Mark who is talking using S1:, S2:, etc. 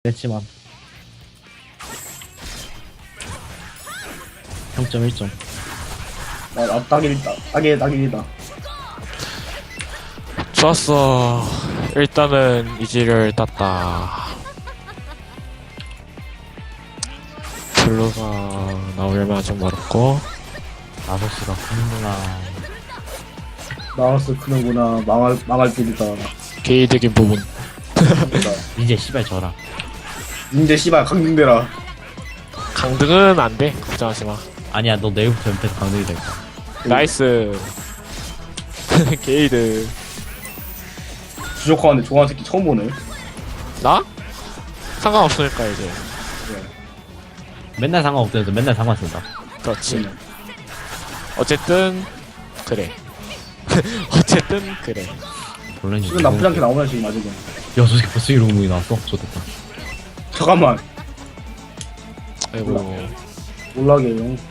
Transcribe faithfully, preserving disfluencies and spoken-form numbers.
S1: 했지만 영 점 일 점.
S2: 아, 아 딱일이다. 딱이 딱일이다.
S3: 좋았어. 일단은 이지를 땄다. 블루가 나오려면 아직 멀었고.
S1: 나서스가 크는구나.
S2: 나와서 크는구나. 망할 망할 길이다.
S3: 개이득인 부분.
S1: 이제 씨발 져라.
S2: 이제 씨발 강등되라.
S3: 강등은 안 돼. 걱정하지 마.
S1: 아니야, 너 내일부터 연패에서 강등이 될 거야.
S3: 나이스. 게이드.
S2: 부족하는데 좋아하는 새끼 처음 보네.
S3: 나? 상관없으니까 이제.
S1: 맨날 상관없대서 맨날 상관 쓴다.
S3: 그렇지.
S2: 응.
S3: 어쨌든 그래. 어쨌든 그래.
S1: 원래는
S2: 지금 나쁘지 않게 나오네 지금 아직은.
S1: 야, 저 새끼 벌써 이런 공이 나왔어? 좋겠다.
S2: 잠깐만.
S3: 아이고.
S2: 몰라게 형.